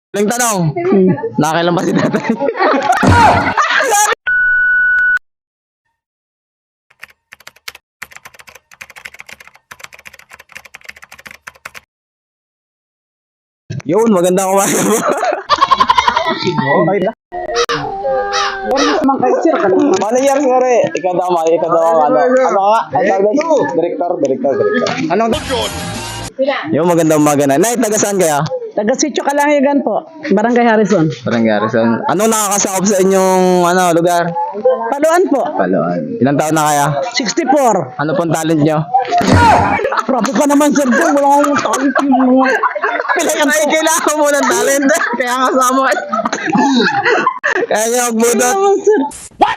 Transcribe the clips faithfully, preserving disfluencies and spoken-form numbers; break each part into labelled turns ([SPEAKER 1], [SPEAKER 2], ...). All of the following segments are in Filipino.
[SPEAKER 1] Yung tanong, hmm. nakakailan ba si tatay? Yun, maganda kumain mo. Okay na. Paano yan, sir? Ikaw daw, mga ikaw daw, ano? Ano ka? Ang tawag na? Director, director, director. Anong? Yung maganda umaga na. Nay, taga saan kaya?
[SPEAKER 2] Taga Sitio Kalangigan po, Barangay Harrison.
[SPEAKER 1] Barangay Harrison. Anong nakakasakop sa inyong ano lugar?
[SPEAKER 2] Paluan po.
[SPEAKER 1] Paluan. Ilang taon na kaya?
[SPEAKER 2] sixty-four.
[SPEAKER 1] Ano pong talent nyo?
[SPEAKER 2] Grabe ka naman, sir. Wala akong talent yung mga...
[SPEAKER 1] Ay, kailangan mo ng talent. Kaya nga sa mo. Kaya nyo magbudot.
[SPEAKER 2] What?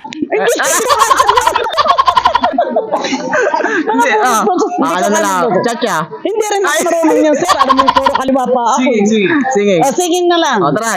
[SPEAKER 1] Hindi, ah. Ano na lang. Chacha.
[SPEAKER 2] Hindi rin ako marunong yan, sir. Alam mo, puro kaliwa pa ako.
[SPEAKER 1] Singing, singing. Singing.
[SPEAKER 2] Oh, singing na lang.
[SPEAKER 1] O, try.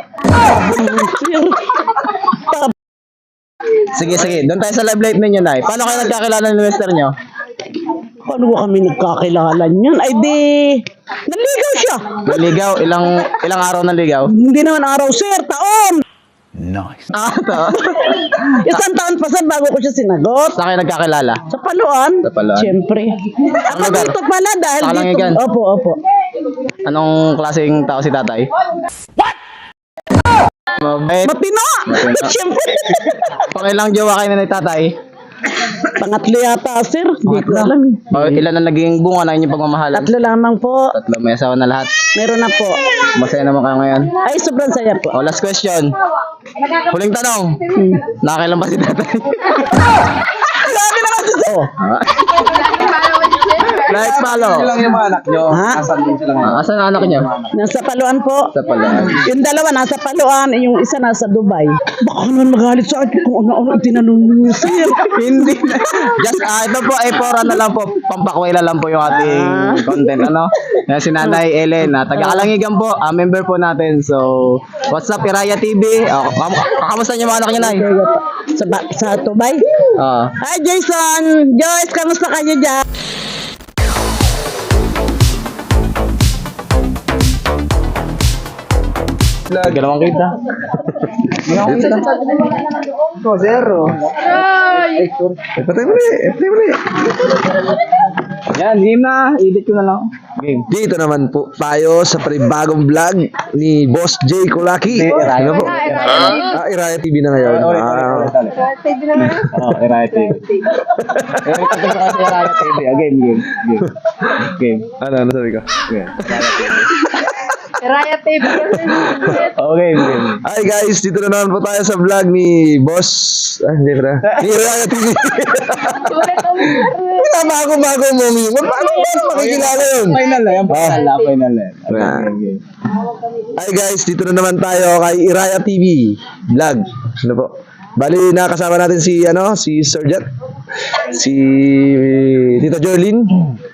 [SPEAKER 1] Sige, sige. Doon tayo sa live light ninyo, Nay. Paano kayo nagkakilala ng mister nyo?
[SPEAKER 2] Paano ba kami nagkakilala niyan? Ay di, naligaw siya.
[SPEAKER 1] Naligaw? Ilang ilang araw naligaw?
[SPEAKER 2] Hindi naman araw, sir. Taon.
[SPEAKER 1] Nice. Ah, to.
[SPEAKER 2] Isang taon pa, sir, bago ko siya sinagot.
[SPEAKER 1] Saan kayo nagkakilala?
[SPEAKER 2] Sa Paluan.
[SPEAKER 1] Sa Paluan.
[SPEAKER 2] Siyempre. Ako
[SPEAKER 1] lugar?
[SPEAKER 2] dito pala dahil
[SPEAKER 1] Sa
[SPEAKER 2] dito.
[SPEAKER 1] Kalangigan?
[SPEAKER 2] Opo, opo.
[SPEAKER 1] Anong klaseng tao si tatay? What? Mabait.
[SPEAKER 2] Matino!
[SPEAKER 1] Matino.
[SPEAKER 2] Siyempre.
[SPEAKER 1] Pakilang jowa kayo na ni tatay?
[SPEAKER 2] Pangatlo yata, sir. Hindi ko
[SPEAKER 1] Pangatlo?
[SPEAKER 2] alam.
[SPEAKER 1] O, ilan na naging bunga ng inyong pagmamahalan?
[SPEAKER 2] Tatlo lamang po.
[SPEAKER 1] Tatlo. May asawa na lahat.
[SPEAKER 2] Meron na po.
[SPEAKER 1] Masaya naman kayo ngayon.
[SPEAKER 2] Ay, sobrang saya po.
[SPEAKER 1] O, last question. Huling tanong.
[SPEAKER 2] Hmm.
[SPEAKER 1] Nakakailan ba si tatay?
[SPEAKER 2] Grabe naman si sir.
[SPEAKER 1] Oh. Like follow.
[SPEAKER 3] Sila lang yung mga anak nyo.
[SPEAKER 2] Ha?
[SPEAKER 3] Asan din sila ngayon?
[SPEAKER 1] Ah, asan ang anak niyo?
[SPEAKER 2] Nasa Paluan po.
[SPEAKER 1] Sa Paluan.
[SPEAKER 2] Yung dalawa nasa Paluan, yung isa nasa Dubai. Baka naman magalit sa akin kung ano-ano itinanong niyo, sir.
[SPEAKER 1] Hindi. Just, ah, ito po, ay for ano lang po, pampakwela lang po yung ating
[SPEAKER 2] Ah.
[SPEAKER 1] content, ano? Yan, si Nanay Ellen, ah, taga-Kalangigan po, ah, member po natin. So, what's up, Iraya T V? Oh, kam kamusta niyo mga anak niyo, Nay?
[SPEAKER 2] Sa, ba- sa Dubai.
[SPEAKER 1] Ah.
[SPEAKER 2] Hi, Jason! Joyce, kamusta kayo dyan?
[SPEAKER 1] Hindi naman kita.
[SPEAKER 3] Ito, zero. Patay mo rin. Patay mo rin.
[SPEAKER 1] Yan, game na. Edit ko na lang. Game.
[SPEAKER 3] Dito naman po tayo sa panibagong vlog ni Boss J. Kulaki. Ano po? Ah, Iraya T V na ngayon. Ah,
[SPEAKER 1] Oh, Iraya T V. Eh, ito sa kasi Iraya T V. Ah, game, game, game. Game.
[SPEAKER 3] ano, ano sabi ko?
[SPEAKER 1] Game.
[SPEAKER 4] Raya T V.
[SPEAKER 1] Oh, game, game.
[SPEAKER 3] Hi guys, dito na naman po tayo sa vlog ni Boss. Ah, hindi pa. Ni Iraya T V. Bago-bago mo, Mi. Paano ba makikilala yun?
[SPEAKER 1] Final na yan. Final na, final na.
[SPEAKER 3] Ah.
[SPEAKER 1] Game, game.
[SPEAKER 3] Hi guys, dito na naman tayo kay Iraya T V vlog. Ano po? Bali nakasama natin si ano, si Sir Jet, si Tita Jolene,